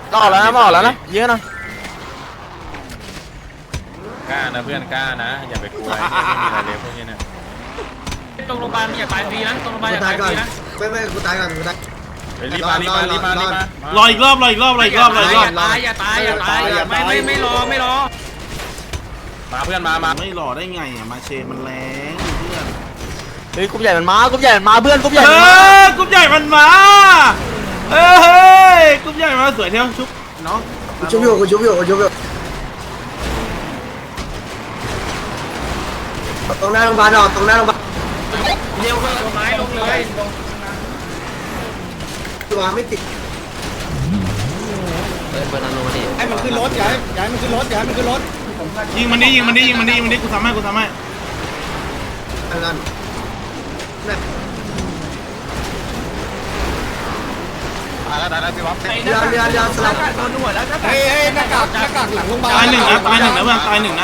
ออกแล้วนะออกแล้วนะเยอะนะกล้านะเพื่อนกล้านะอย่าไปกลัวไม่มีอะไรเลยพวกนี้เนี่ยตรงโรงพยาบาลอย่าตายฟรีนะตรงโรงพยาบาลอย่าตายฟรีนะไม่กูตายก่อนกูตายรีบมารออีกรอบอย่าตายไม่รอมาเพื่อนมาไม่รอได้ไงอ่ะมาเชมันแรงเพื่อนเฮ้ยกลุ่มใหญ่มันมากลุ่มใหญ่มันมาเพื่อนกลุ่มใหญ่กลุ่มใหญ่มันมาเฮ้ยกลุ่มใหญ่มาสวยเที่ยวชุบน้องกูชุบอยู่ตรงหน้าโรงพยาบาลตรงหน้าโรงพยาบาลเร็วเลยไม้ลงเลยตัวไม่ติดเปิดนาโนดิให้มันขึ้นรถย้ายมันขึ้นรถยิงมันดิกูทำให้นั่นแล้วพี่บ๊อบเรือสลับโดนหัวแล้วหน้ากากหลังโรงพยาบาลตายหนึ่งนะเพื่อนตายหนึ่งนะ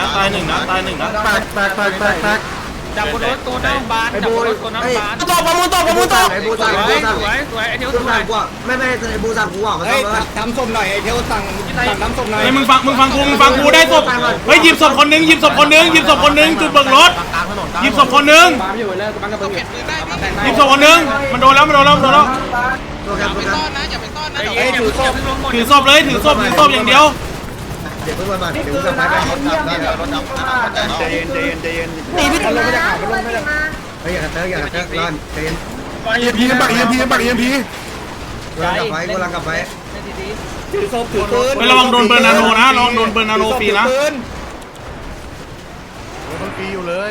จับบนรถตัวน้ำบานจับบนรถตัวน้ำบานตกประมูลไอ้บูสั่งสวยไอ้เทวสวยกูไม่ไอ้บูสั่งกูมาทำศพหน่อยไอ้เทวสั่งน้ำศพหน่อยมึงฟังกูได้ศพเฮ้ยหยิบศพคนนึงจุดเบิกรถหยิบศพคนนึงหยิบศพคนนึงมันโดนแล้วอย่าไปต้อนนะถือศพเลยถือศพอย่างเดียวเดี๋ยวเพิ่งมาเดี๋ยวจะพาไปรถดำใจเย็นหนีพี่ลงไม่ได้ข่าวลงไม่ได้อย่ากระเตอะร้อนใจเย็นปักเอ็มพีกำลังกลับไปถือศพถือปืนไประวังโดนเบอร์นาโนนะระวังโดนเบอร์นาโนฟรีนะมันฟรีอยู่เลย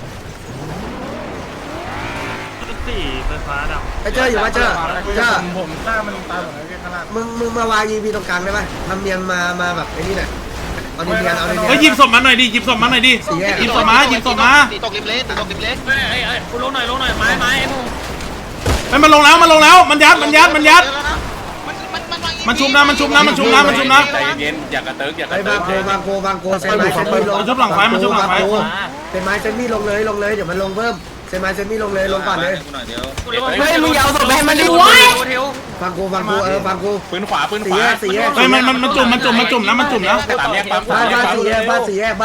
ไฟฟ้าดับเจออยู่ว่าเจอผมกล้ามันตายหมดเลยข้างล่างมึงมาวางยีพีตรงกลางได้ไหมทำเนียนมาแบบไอ้นี่หน่อยเอาเนียนเฮ้ยหยิบศพมาหน่อยดิหยิบศพมาตกริมเล็กกูลงหน่อยไม้ไอ้พวกมันลงแล้วมันยัดมันชุบนะใจเย็นอย่ากระเติกอย่ากระเติกบางโกเซนไม้เซนมี่ลงมันชุบหลังไฟเซนไม้เซนมี่ลงเลยเดี๋ยวมันลงเพิ่มเซนไม้เซนมี่ลงเลยลงก่อนเลยเฮ้ยมึงยาวศพไปให้มันดิวะฟังกูฟังกูปืนขวาสี่แยกเฮ้ยมันจุ่มนะตามแยกปั๊มบ้านสี่แยกปั๊ม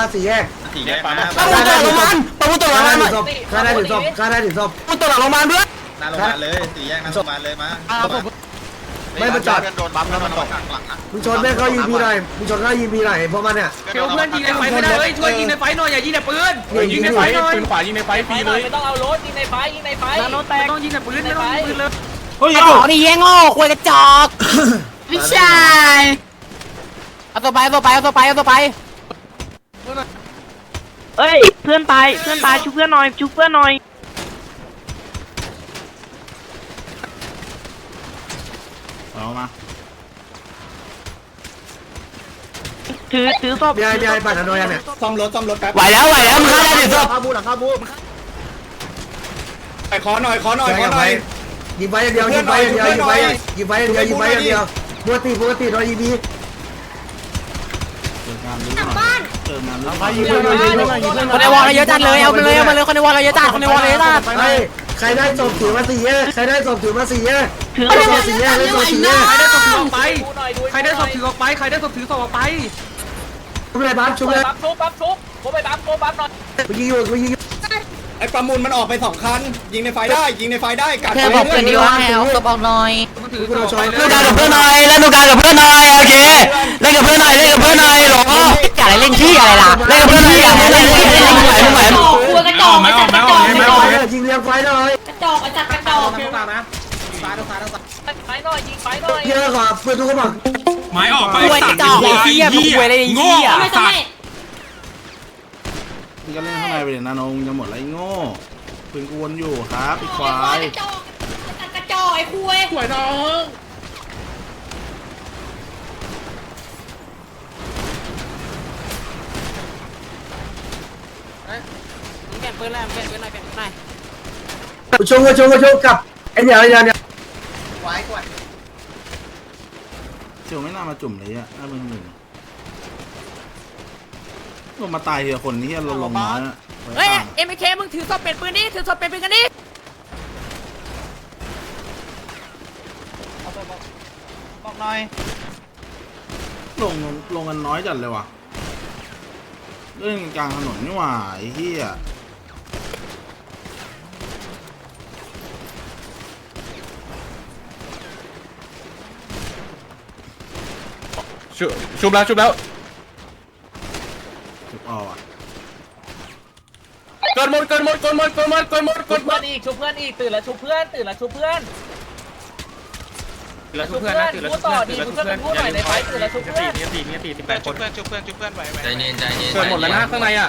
ประมูลตัวหลังมันข้าได้ถึงศพประมูลตัวหลังโรงพยาบาลเพื่อนหน้าโรงพยาบาลเลยสี่แยกหน้าโรงพยาบาลเลยมาไม่มาจอดโดนปั๊มแล้วมันตกหลังมึงชนแม่เขายิงพีหน่อยพวกมันเนี่ยเพื่อนยิงในไฟไม่ได้เฮ้ยช่วยยิงในไฟหน่อยอย่ายิงในปืนยิงในไฟหน่อยปืนขวายิงในไฟฟรีเลยไม่ต้องเอารถยิงในไฟนาโนแตกต้องยิงในปืนไม่ต้องยิงปืนเลยเฮ้ยเอาดิเงี้ยโง่ควยกระจอกพี่ชายเอาตัวไปเอ้ยเพื่อนตายชุบเพื่อนหน่อยเอามาถือศพยายปั่นอะไรเนี่ยซ่อมรถแป๊บไหวแล้วมึงฆ่าได้ถึงศพข้าบูขอหน่อยยิงไปอย่างเดียวยิงไปอย่างเดียวปกติโดนยิงดีคนในวอลเราเยอะจัดเลยเอาไปเลยคนในวอลเราเยอะจัดใครได้ศพถือมา4แยกถือได้ศพถือออกไปใครได้ศพถือออกไปชุบเลยปั๊บชุบผมไปปั๊มหน่อยยิงอยู่ไอ้ประมูลมันออกไป2คันยิงในไฟได้กัดแค่บอกเพื่อนดีว่าให้เอาศพออกหน่อยกูโดนชนเล่นกับเพื่อนหน่อยโอเคเล่นกับเพื่อนหน่อยหรออย่าเล่นขี้อะไรล่ะเล่นกับเพื่อนหน่อยอย่าเล่นมึงไหวกลัวกระจอกยิงเรียงไฟหน่อยกระจอกนะไฟหน่อยยิงไฟหน่อยเยอะกว่าเพื่อนทุกคนบอกไม้ออกไปกระจอกไอ้เหี้ยมึงคุยอะไรไอ้เหี้ยมึงก็เล่นข้างในไปเลยนาโนมึงจะหมดไรโง่ปืนกูวนอยู่ครับอีกควายกระจอกไอ้คุยสวยน้องเปลี่ยนปืนอะไรชงกับไอ้เนี่ยไว้ก่อนเชียวไม่น่ามาจุ่มเลยอ่ะน่าเป็นหนึ่งลงมาตายทีละคนนี่เราลงน้อยอ่ะเฮ้ยMKมึงถือศพเป็นปืนนี่กันดิบอกหน่อยลงกันน้อยจัดเลยว่ะเล่นกลางถนนนี่หว่าไอ้เหี้ยชุบแล้วจุดออกอ่ะเกินหมดชุบเพื่อนอีกชุบเพื่อนอีกตื่นแล้วชุบเพื่อนตื่นแล้วชุบเพื่อนชุบเพื่อนพูดต่อดีชุบเพื่อนพูดหน่อยในไฟตื่นแล้วชุบเพื่อน 18 คนชุบเพื่อนไหวใจเย็นเกินหมดแล้วนะข้างในอ่ะ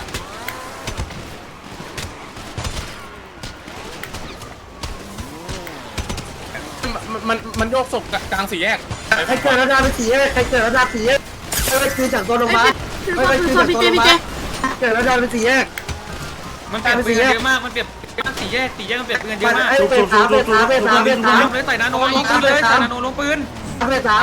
มันโยกศพกลางสี่แยกใครเกิดระดับสีใครเกิดระดับสีไม่ไปคือจากตัวลงมาไม่ไปคือจากตัวลงมาเกิดระดับสีแยกมันเปลี่ยนปืนเยอะมากมันเปลี่ยนสี่แยกมันเปลี่ยนปืนเยอะมากเป็นสามเลยใส่นาโนลงปืนเลยใส่นาโนลงปืนเป็นสาม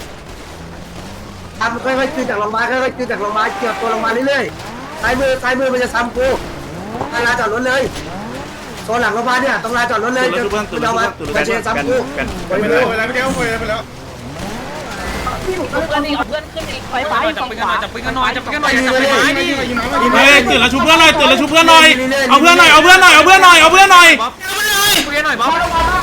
ทำค่อยๆคือจากลงมาค่อยๆคือจากลงมาเกี่ยวตัวลงมาเรื่อยๆซ้ายมือมันจะซ้ำกูลานจอดรถเลยโซนหลังลงมาเนี่ยต้องลานจอดรถเลยจะเอามาเชียร์ซ้ำกูไปเลยไปแล้วไปแล้วชุบเพื่อนอีกเพื่อนขึ้นอีกไฟไฟจับปืนกันหน่อยจับปืนกันหน่อยจับปืนกันหน่อยจับปืนไม้ดิเฮ้ยตื่นแล้วชุบเพื่อนหน่อยเอาเพื่อนหน่อยเอาเพื่อนหน่อยปืนหน่อยบ๊อบ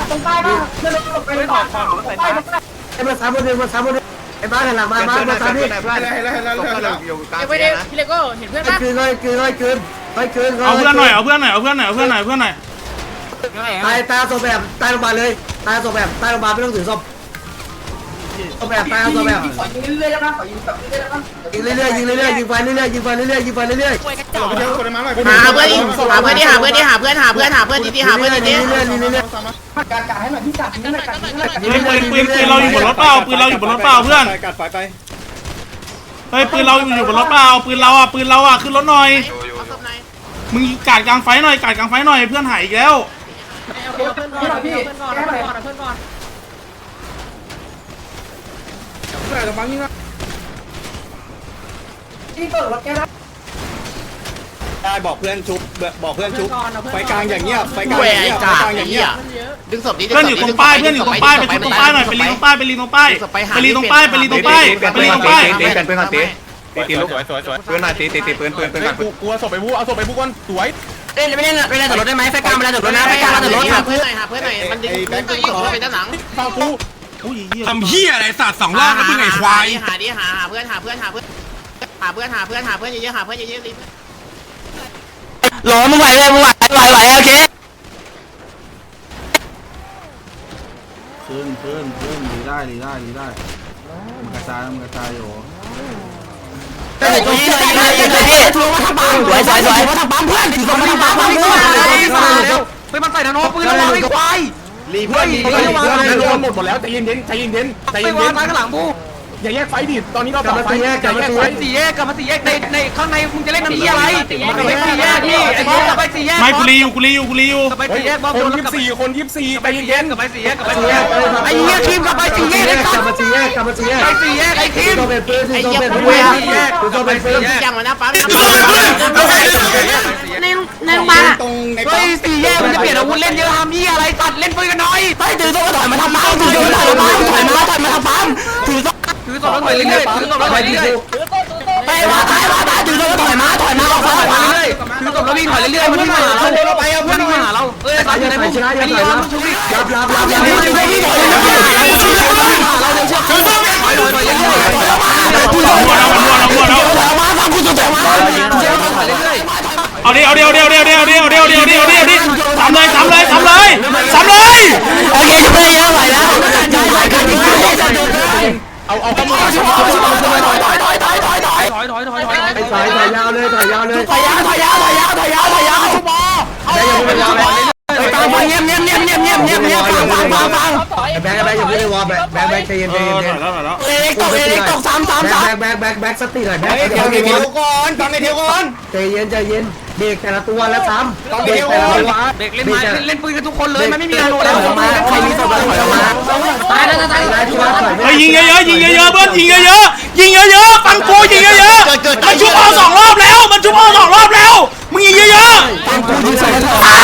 ไอ้มาซ้ำคนเดิมไอ้บ้านหลังมาซ้ำนี่ไม่ได้พี่เลโก้เห็นเพื่อนปะคืนคืนเอาเพื่อนหน่อยตายศพแบบตายลงมาเลยตายศพแบบตายลงมาไม่ต้องถือศพแบบตายศพแบบยิงเรื่อยยิงไฟเรื่อยยิงไฟเรื่อยหาเพื่อนดิหาเพื่อนดีๆหาเพื่อนดีปืนเราอยู่บนรถเปล่าเพื่อนเฮ้ยปืนเราอยู่บนรถเปล่าปืนเราอ่ะขึ้นรถหน่อยมึงกาดกลางไฟหน่อยเพื่อนหายอีกแล้วเพื่อนก่อนพี่เพื่อนก่อนได้บอกเพื่อนชุบไฟกลางอย่างเงี้ยไฟกลางอย่างเงี้ยดึงศพนี้เพื่อนอยู่ตรงป้ายไปชุบตรงป้ายหน่อยไปรีตรงป้ายตีปืนหน่อยตีปืนก่อนกลัวศพไปบูเอาศพไปบูก่อนสวยเล่นไม่เล่นแต่รถได้ไหมไฟกลางมาแล้วรถนะไฟกลางมาแต่รถหาเพื่อนหน่อยมันดึงไปด้านหลังฟังกูทำเหี้ยอะไรสัตว์2 รอบแล้วมึงไอ้ควายหาเพื่อนเยอะๆเยอะๆรีบหลอมึงไหวโอเคขึ้นดีได้มันกระจายอยู่สวยทำปั๊มเพื่อนทำปั๊มไปมันใส่นาโนปืนเราไอ้ควายรีเพื่อนหมดแล้วใจเย็นไปวางข้างหลังบูอย่าแยกไฟดิตอนนี้เราต่อไฟแยกสี่แยกกลับมาสี่แยกในข้างในมึงจะเล่นน้ำยี่อะไรมันเป็นสี่แยกพี่ไอ้บอสกลับไปสี่แยกไม่กูรีอยู่กลับไปสี่แยกบอสคน24ใจเย็นกลับไปสี่แยกไอ้เหี้ยทีมกลับไปสี่แยกกลับมาสี่แยกไปสี่แยกไอ้ทีมตัวเป็นปืนไอ้ตัวเหี้ยเป็นคนปืเว้ยนตัวเป็นปืนอย่างมันนะปั๊มในบ้านตรงในเฮ้ยสี่แยกมันจะเปลี่ยนอาวุธเล่นเยอะทำยี่อะไรตัดเล่นปืนกันหน่อยไปถือโซ่ถอยมาทำปั๊มถือโซ่ถอยมาทำปั๊มถือโซ่แล้วถอยเรื่อยๆถือโซ่แล้วถอยเรื่อยๆไปว่าตายถือโซ่แล้วถอยมาออกมาเรื่อยๆถือโซ่แล้ววิ่งถอยเรื่อยๆมันวิ่งมาหาเราไปเอาเพื่อนมาหาเราเอ้ยตายอยู่ในพวกไอ้นี่เราชุบดิรับ เราเดินเชือกถอยเรื่อยๆเอาดิทำเลยโอเคจะไปยังไหวแล้วเอาข้อมูลถอยยาวเลยถอยยาวตามเงียบฟังแบงค์อย่าพูดในวอลแบงค์ใจเย็นแล้วเล็กตก3 แบงค์สติหน่อยแบงค์เทียวก่อนฟังในเทียวก่อนใจเย็นเด็กแต่ละตัวแล้วซ้ำเด็กแต่ละตัวเด็กเล่นไม้เล่นปืนกันทุกคนเลยมันไม่มีการโดนแล้วมาใครมีศพถอยออกมาตายที่ว่าถอยเฮ้ยยิงเยอะเพื่อนยิงเยอะฟังกูยิงเยอะมันชุบเอา2 รอบแล้วมึงยิงเยอะฟังกูยิงใส่ถอยมา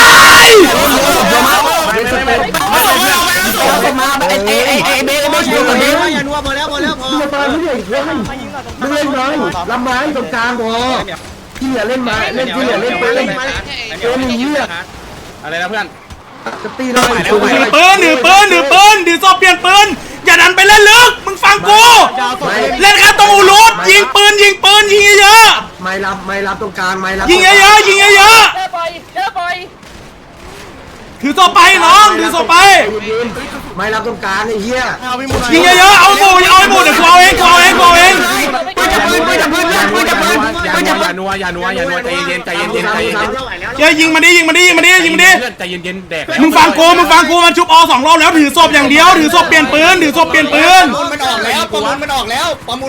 ไอ้เบชุบกันเบอย่านัวหมดแล้วมึงจะตายไม่ได้อีกเลยมึงเล่นไม้ลำไม้ตรงกลางพอที่เหลือเล่นไม้เล่นที่เหลือเล่นไปเล่นเออหนีอ่ะอะไรนะเพื่อนจะตีเราถือปืนถือปืนถือศพเปลี่ยนปืนอย่าดันไปเล่นลึกมึงฟังกูเล่นแค่ตรงอูรุดยิงปืนยิงเยอะไม่รับตรงกลางไม่รับยิงเยอะๆยิงเยอะเยอะไปๆถือศพไปน้องถือศพไปไม่รับตรงกลางไอ้เหี้ยยิงเยอะๆเอาหมูเดี๋ยวกูเอาเองปืนจะปืนปืนจะปืนปืนจะปืนปืนจะปืนอย่านัวใจเย็นเฮ้ยยิงมาดิเพื่อนใจเย็นแดกมึงฟังกูมันชุบอ2 รอบแล้วถือศพอย่างเดียวถือศพเปลี่ยนปืนมันออกแล้วประมูลมันออกแล้ว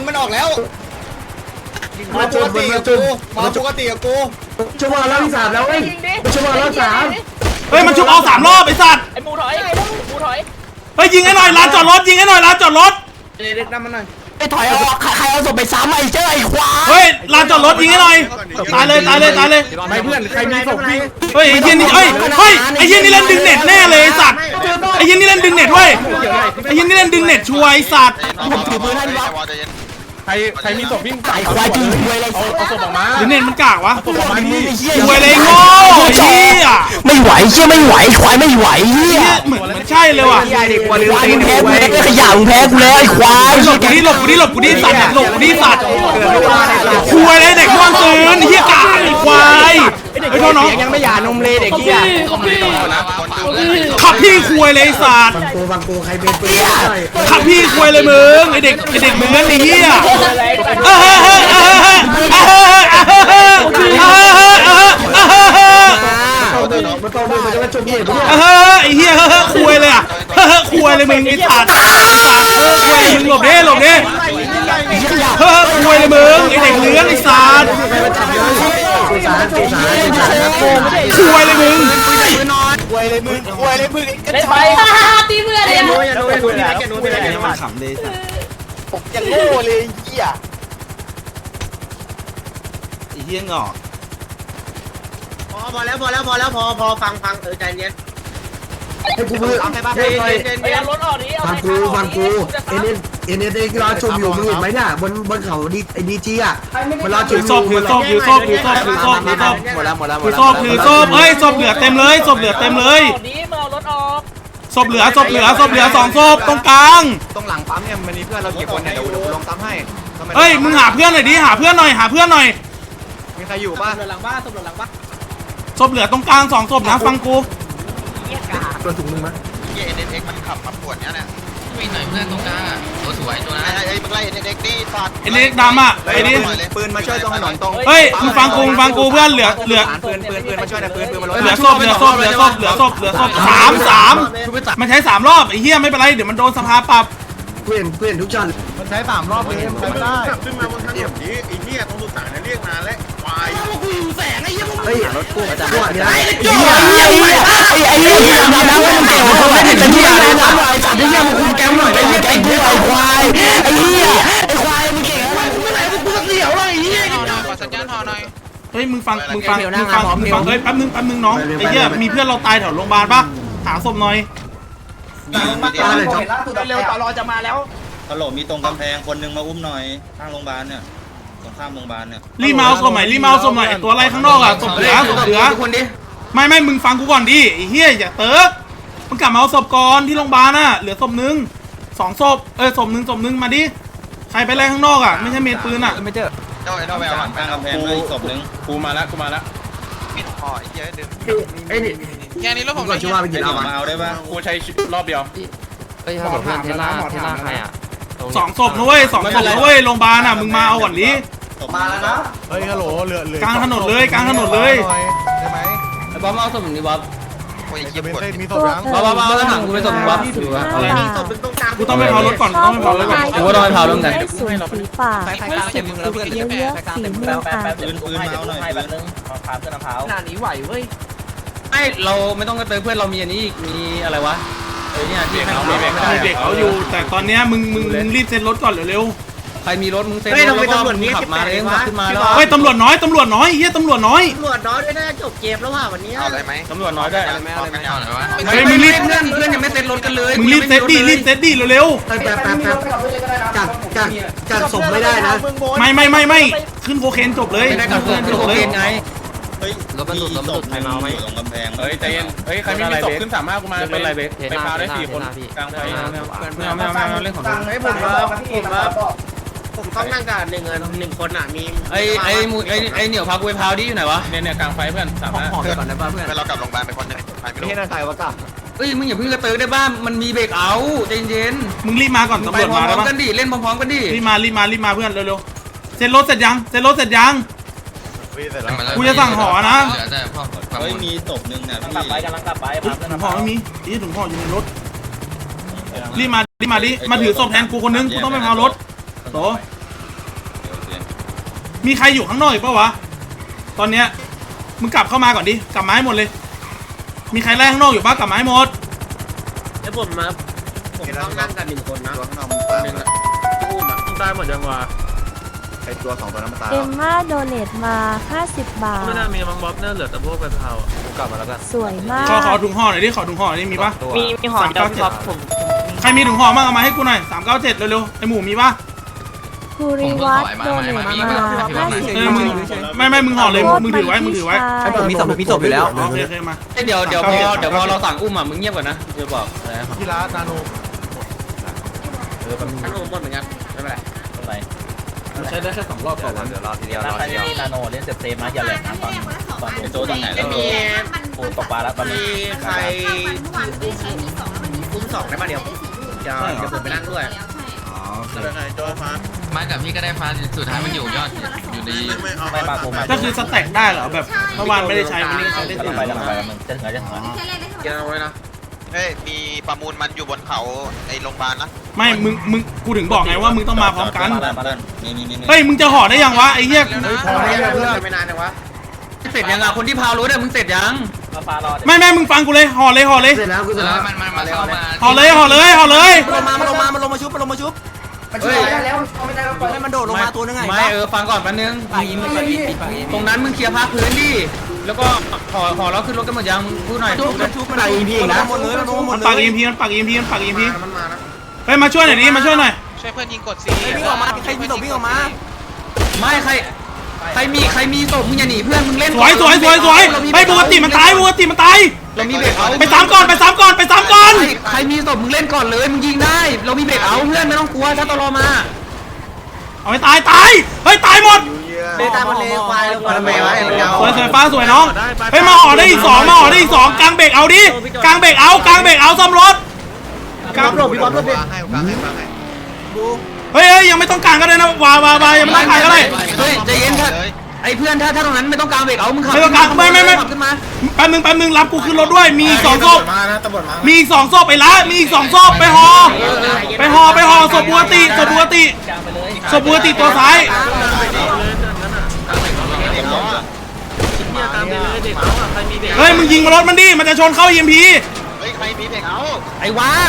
มาปกติกับกูชั่วโมงรอบที่3แล้วเว้ยชั่วโมงรอบ3 เฮ้ยมันชุบอ3 รอบไอ้สัตว์ไอ้หมูถอยเฮ้ยยิงให้หน่อยร้านจอดรถไปถอยออกใครเอาศพไปซ้ำไอ้เจ้าไอ้ควายเฮ้ยร้านจอดรถยิงให้หน่อยตายเลยไม่เพื่อนใครมีศพวิ่งเฮ้ยไอ้เหี้ยนี่ไอ้เหี้ยนี่เล่นดึงเน็ตแน่เลยไอ้สัตว์ไอ้เหี้ยนี่เล่นดึงเน็ตเว้ยไอ้เหี้ยนี่เล่นดึงเน็ตชัวร์ไอ้สัตว์ผมถือปืนให้วะใครมีศพวิ่งไอ้ควายจริงควยอะไรเอาศพออกมาดึงเน็ตมันกากวะศพออกมาดิชัวร์เลยโง่ไอ้เหี้ยไม่ไหวเชี่ยไม่ไหวควายไม่ไหวเฮียเหมือนใช่เลยว่ะควายมึงแพ้กูแล้วขยะมึงแพ้กูแล้วไอ้ควายหลบกูดิสัตว์หลบกูดิสัตว์คุยเลยเด็กม่วงตื่นเฮียกาไอ้ควายไอ้โทษน้องยังไม่หย่านมเลยเด็กที่ขับพี่คุยเลยสัตว์ฟังกูใครเป็นปืนได้ขับพี่คุยเลยมึงไอ้เด็กมึงนั่นไอ้เฮียมันต้องมันจะมาจมเหตุไอ้เฮียคุยเลยอ่ะคุยเลยมึงไอ้สัตว์คุยมึงหลบดิคุยเลยมึงไอ้เด็กเลื้อนไอ้สัตว์คุยเลยมึงเล่นไปตีเพื่อนเลยอย่างโง่เลยเหี้ยไอ้เฮียงอกพอแล้วฟังใจเย็นให้กูมือไปเอารถออกดิเอาฟังกูเอ็นรอชมอยู่มึงเห็นไหมเนี่ยบนเขาดีจีอ่ะมันรอชมถือศพเฮ้ยศพเหลือเต็มเลยศพเหลือเต็มเลยนี้มาเอารถออกศพเหลือ2 ศพตรงกลางตรงหลังปั๊มเนี่ยมันมีเพื่อนเรากี่คนเนี่ยเดี๋ยวลงปั๊มให้เฮ้ยมึงหาเพื่อนหน่อยดิหาเพื่อนหน่อยมีใครอยู่ป่ะศพเหลือตรงกลาง2 ศพนะฟังกูตัวถุงนึงมั้ยเอ็นมันขับมาปวดเนี่ยวิ่งหน่อยเพื่อนตรงกลางตัวสวยตัวนั้นไอ้มึงไล่เด็กนี่สัตว์ไอ้เล็กดำอ่ะไอ้นี่ปืนมาช่วยตรงถนนตรงเฮ้ยมึงฟังกูเพื่อนเหลือปืนมาช่วยนะปืนมาลดศพ3มันใช้3 รอบไอ้เหี้ยไม่เป็นไรเดี๋ยวมันโดนสภาปรับเปลี่ยนทุกจานมันใช้3 รอบเลยไม่ได้ขึ้นมาบนถนนนี้ไอ้เหี้ยตรงสุสานเนี่ยเรียกนานแล้วควายเฮ้ยรถกู้จังหวะนี้ไอ้เหี้ยที่ทำนะว่ามึงเก่งมึงไม่ได้เป็นที่อะไรนะไอ้สัตว์ที่เหี้ยมึงคุมแก๊งหน่อยไอ้เหี้ยไอ้กูไอ้ควายไอ้เหี้ยไอ้ควายมึงเก่งอะไรมึงไม่ไหนมึงเสียวเลยไอ้เหี้ยเฮ้ยมึงฟังเฮ้ยแป๊บนึงน้องไอ้เหี้ยมีเพื่อนเราตายแถวโรงพยาบาลปะหาศพหน่อยเร็วต่อรอจะมาแล้วฮัลโหลมีตรงกำแพงคนนึงมาอุ้มหน่อยข้างโรงพยาบาลเนี่ยตรงข้ามโรงพยาบาลเนี่ยรีบมาเอาศพหน่อยตัวอะไรข้างนอกอ่ะศพเหลือไม่มึงฟังกูก่อนดิไอ้เหี้ยอย่าเติร์กมึงกลับมาเอาศพก่อนที่โรงพยาบาลน่ะเหลือศพนึง2 ศพศพนึงมาดิใครไปไล่ข้างนอกอ่ะไม่ใช่เมนปืนอ่ะเจ้าแววข้างกำแพงเลยอีกศพนึงกูมาแล้วไอ้นี่แค่นี้แล้วผมก็ชื่อว่าไปกินเอามาเอาได้ป่ะกูใช้รอบเดียวใครอ่ะ 2 ศพนะเว้ย2 ศพนะเว้ยโรงพยาบาลอ่ะมึงมาเอาก่อนดิมาแล้วนะเฮ้ยฮัลโหลเหลือกลางถนนเลยได้ไหมไอ้บ๊อบเอาสมุนดิบ๊อบมีศพยังบ๊อบเอาถังกูไปส่งบ๊อบอะไรกูต้องไปเผารถก่อนกูต้องไปเผารถก่อนกูก็ต้องไปเผาแล้วไงสวยสีฟ้าเก็บเยอะๆสีม่วงอ่ะปืนมาเอาหน่อยให้ปืแบบนนึงพาเพื่อนมะพร้าวขนาดนี้ไหวเว้ยไอเราไม่ต้องกระเตยเพื่อนเรามีอันนี้อีกมีอะไรวะเนี่ยที่มีเด็กเขาอยู่แต่ตอนเนี้ยมึงรีบเซ็นรถก่อนเร็วใครมีรถมึงเซ็นเฮ้ยทำไมแล้วก็ตำรวจมีขับมาเองขับขึ้นมาแล้วเฮ้ยตำรวจน้อยเฮียตำรวจน้อยตำรวจน้อยด้วยน่าจะจบเกมแล้วว่ะวันนี้เอาอะไรไหมตำรวจน้อยด้วยเฮ้ยมึงรีบเพื่อนยังไม่เซ็นรถกันเลยมึงรีบเซตดิเร็วแป๊บกักศพไม่ได้นะๆไม่ขึ้นโคเคนจบเลยไม่ได้กับเพื่อนที่โคเคนไงเฮ้ยมีศพใครเมาไหมตรงกำแพงเฮ้ยใจเย็นเฮ้ยใครไม่มีศพขึ้น35กูมาเป็นไรเบคไปพาได้4คนกลางไฟไม่เล่นของให้ผมต้องนั่งกับหนึ่งคนอ่ะมีไอ้เหนียวพากูไปพาวดิอยู่ไหนวะเนี่ยกลางไฟเพื่อน35 ห่อไปก่อนได้ป่ะเพื่อนเรากลับโรงพยาบาลไปคนนึงใครไม่รู้ที่นั่นใครวะกะเอ้ยมึงอย่าเพิ่งกระเติร์ได้บ้างมันมีเบรกเอาใจเย็นมึงรีบมาก่อนไปตำรวจพร้มาอแล้วมปะๆกันดิเล่นพร้อมๆกันดิรีบมาเพื่อนเร็วๆเซ็นรถเสร็จยังกูจะสั่งห่อนะเฮ้ยมีศพนึงนะพี่กำลังกลับไปถุงห่อไม่มีนี่ถุงห่ออยู่ในรถรีบมาดิมาถือศพแทนกูคนนึงกูต้องไปพารถโตมีใครอยู่ข้างนอกอีกปะวะตอนเนี้ยมึงกลับเข้ามาก่อนดิกลับมาให้หมดเลยมีใครไล่ข้างนอกอยู่ปะกลับมาให้หมดแล้วผมต้องนั่งกับหนึ่งคนนะตัวข้างนอกตามตายหมดยังวะไอตัว2ตัวนั้นมันตายเอ็มม่าโดเนทมา50 บาทไม่น่ามีมังบ๊อบเนี่ยเหลือแต่พวกไปเผากูกลับมาแล้วกันสวยมากขอถุงห่อหน่อยดิขอถุงห่อหน่อยดิมีปะมีหอมเดียวพี่บ๊อบผมใครมีถุงห่อบ้างเอามาให้กูหน่อย397เร็วๆไอหมูมีปะภูริวัฒน์โดเนทมา50 เออมึงไม่มึงห่อเลยมึงถือไว้ไอ้ผมมีศพอยู่แล้วโอเคมาเดี๋ยวพอเราสั่งอุ้มอ่ะมึงเงียบก่อนนะจะบอกที่ร้านนาโนท่านโอมหมดเหมือนกันไม่เป็นไรใช้ได้แค่2 รอบก่อนวันเดี๋ยวรอทีเดียวถ้าใครมีนาโนเล่นเซฟนะอย่าแหลกนะตอนไอโจตรงไหนแล้วมีโอ้ตกปลาแล้วตอนนี้ใครอุ้ม2ได้ป่ะเดี๋ยวผมไปนั่งด้วยมากับพี่ก็ได้ฟ้าสุดท้ายมันอยู่ยอดอยู่ดีไม่ปลาผมมาก็คือสแต็กได้เหรอแบบเมื่อวานไม่ได้ใช้วันนี้ใช้ได้กำเต็ลัมงไปมึงจะถึงแล้วเดี๋ยวไว้นะเฮ้ยมีประมูลมันอยู่บนเขาไอโรงพยาบาลนะไม่มึงกูถึงบอกไงว่ามึงต้องมาพร้อมกันนี่เฮ้ยมึงจะห่อได้ยังวะไอ้เหี้ยพอแล้วเพื่อนไม่นานจังวะเสร็จยังอ่ะคนที่พาวรถอ่ะมึงเสร็จยังปลารอไม่มึงฟังกูเลยห่อเลยเสร็จแล้วกูเสร็จแล้วมันมาเข้ามาห่อเลยมันลงมาชุบเฮ้ยให้มันโดดลงมาตัวนึงไงไม่ฟังก่อนแป๊บนึงตรงนั้นมึงเคลียร์ภาคพื้นดิแล้วก็ห่อแล้วขึ้นรถกันหมดยังมึงพูดหน่อยชุบมันอีพีนะหมดเลยมันลงหมมัดนเลยปาก EMP มันปาก EMP มันมานะเฮ้ยมาช่วยหน่อยดิมาช่วยหน่อยช่วยเพื่อนยิงกดวิ่งออกมาใครมีศพวิ่งออกมาไม่ใครมีศพมึงอย่าหนีเพื่อนมึงเล่นสวยเฮ้ยปกติมันตายเรามีเบรกเอาไปซ้ำก่อนใครมีศพมึงเล่นก่อนเลยมึงยิงได้เรามีเบรกเอาเพื่อนไม่ต้องกลัวถ้าตลอมาเอาไปตายเฮ้ยตายหมดเบต้ามันเลควายแล้วทำไมวะมันยาวสวยฟ้าสวยน้องเฮ้ยมาห่อได้อีก2กลางเบรกเอาดิกลางเบรกเอาซ่อมรถกราฟหลบพี่บอลหลบดิเฮ้ยยังไม่ต้องกลางก็ได้นะวายังไม่ต้องกลางก็ได้เฮ้ยใจเย็นไอ้เพื่อนถ้าตรงนั้นไม่ต้องกลางเบรกเอามึงขับไม่ต้องกลางไม่ขับขึ้นมาแป๊บนึงรับกูขึ้นรถด้วยมีอีก2ศพมีอีก2ศพไอ้ละมีอีก2ศพไปห่อศพปกติตัวซ้ายเฮ้ยมึงยิงรถมันดิมันจะชนเข้า EMP เฮ้ยใครมีเบรกเอาไอ้วา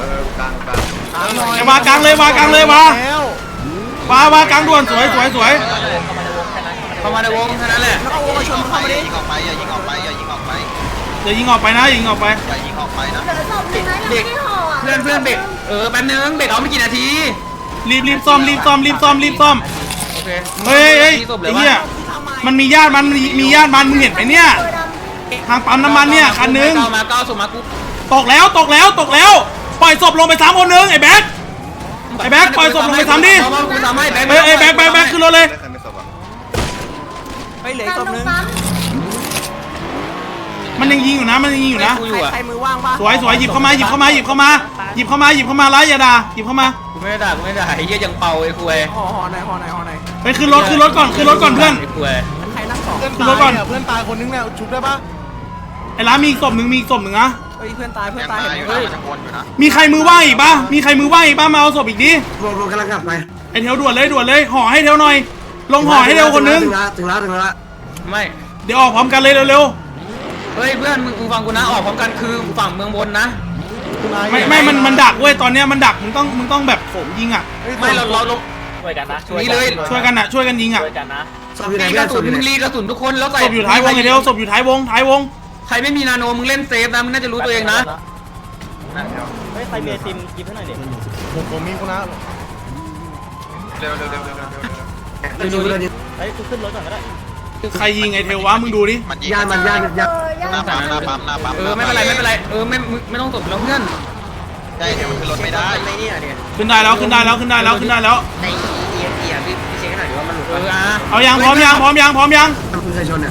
วากลางเลยวากลางด่วนสวยเข้ามาในวงแค่นั้นแหละแล้วก็วงมาชนเข้ามาดิยิงออกไปอย่ายิงออกไปอย่ายิงออกไปนะอย่ายิงออกไปนะเด็กเพื่อนเบรกแป๊บนึงเบรกเอาไม่กี่นาทีรีบซ่อมโอเคเฮ้ยไอ้เหี้ยมันมีญาติมันมึงเห็นไหมเนี่ยทางปั๊มน้ำมันเนี่ยคันนึงเก้าส่งมากูตกแล้วปล่อยศพลงไป3คนนึงไอ้แบ็คปล่อยศพลงไป3ดิไอ้แบ็คขึ้นรถเลยไปเหลือศพนึงมันยังยิงอยู่นะใครมือว่างป่ะสวยหยิบเข้ามาร้ายอย่าด่าหยิบเข้ามากูไม่ได้ไอ้เหี้ยยังเป่าไอ้คุยห่อไหนไปขึ้นรถก่อนเพื่อนไอ้คุยใครนั่งสองขึ้นรถก่อนเพื่อนตายคนนึงเนี่ยชุบได้ปะไอ้ร้านมีอีกศพหนึ่งนะเฮ้ยเพื่อนตายเฮ้ยมันจะวนอยู่นะมีใครมือว่างอีกปะมาเอาศพอีกดิรวมกำลังกลับไปไอ้เทวด่วนเลยห่อให้เทวหน่อยลงห่อให้เทวคนนึงถึงแล้วไม่เดี๋ยวออกพร้อมกันเลยเร็วเฮ้ยเพื่อนมึงฟังกูนะออกพร้อมกันคือฝั่งเมืองบนนะๆไม่มันดักเว้ยตอนเนี้ยมันดักมึงต้องแบบผมยิงอ่ะไม่เราช่วยกันนะนี่เลยช่วยกันน่ะช่วยกันยิงอ่ะช่วยกันนะศพอยู่ไหนรีเพื่กอระนศสุพนอยู่ไหนมึงรีกระสุนทุกคนแล้วใส่ศพอยู่ท้ายวงไอเดียวศพอยู่ท้ายวงท้ายวงใครไม่มีนาโนมึงเล่นเซฟนะมึงน่าจะรู้ตัวเองนะเฮ้ยใครมีไอติมกินให้หน่อยดิผมมีคนนะดูดูดูเฮ้ยกูขึ้นรถก่อนก็ได้ใครยิงไอเทลวะมึงดูดิยานมันยานหน้าปั๊มหน้าปั๊มหน้าปั๊มไม่เป็นไรไม่เป็นไรไม่ต้องตบแล้วเพื่อนใช่เดี๋ยวมันขึ้นรถไม่ได้ไม่เนี่ยเนี่ยขึ้นได้แล้วขึ้นได้แล้วขึ้นได้แล้วขึ้นได้แล้วในEMPอ่ะพี่เช็คให้หน่อยดิว่ามันหลุดเอายังพร้อมยังพร้อมยังพร้อมยังคุณเคยชนเนี่ย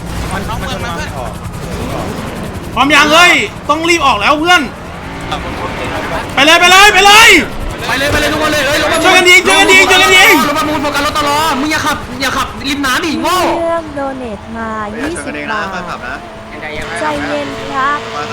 พร้อมยังเฮ้ยต้องรีบออกแล้วเพื่อนไปเลยไปเลยไปเลยไปเลยทุกคนเลยรถช่วยกันยิงช่วยกันยิงช่วยกันยิงรถประมูลโฟกัสรถตลอมึงอย่าขับริมน้ำดิโง่เรื่องโดเนทมา 20 บาทยังไงยังไงใจเย็นครับ